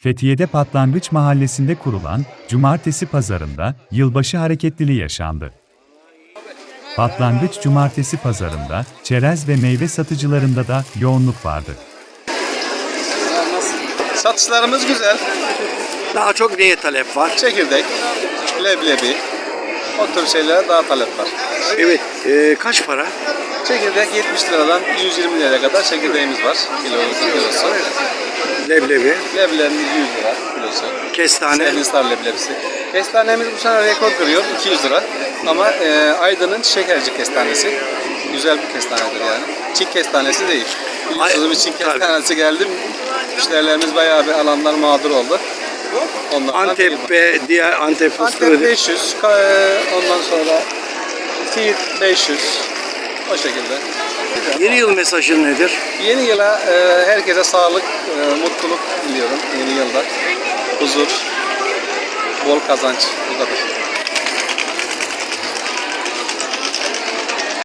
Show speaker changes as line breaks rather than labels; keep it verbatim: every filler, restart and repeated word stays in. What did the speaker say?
Fethiye'de Patlangıç Mahallesi'nde kurulan Cumartesi Pazarı'nda yılbaşı hareketliliği yaşandı. Patlangıç Cumartesi Pazarı'nda çerez ve meyve satıcılarında da yoğunluk vardı.
Satışlarımız güzel.
Daha çok neye talep var?
Çekirdek, leblebi, o tür şeylere daha talep var.
Evet. E, kaç para?
Çekirdek yetmiş liradan yüz yirmi liraya kadar çekirdeğimiz var. Kilosu, kilosu.
Leblebi,
Leblebimiz yüz lira kilosu.
kestane.
Servinstar leblebisi. Kestanemiz bu sene rekor kırıyor, iki yüz lira. Ama e, Aydın'ın şekerci kestanesi. Güzel bir kestanedir yani. Çin kestanesi değil. Biliyorsunuz bir Çin kestanesi geldi. Müşterilerimiz bayağı bir alanlar mağdur oldu. Ondan
Antep ve diğer Antep fıstığı.
Antep beş yüz, ka- ondan sonra Siirt beş yüz, o şekilde.
Yeni yıl mesajın nedir?
Yeni yıla e, herkese sağlık, e, mutluluk diliyorum yeni yılda. Huzur, bol kazanç, bu kadar.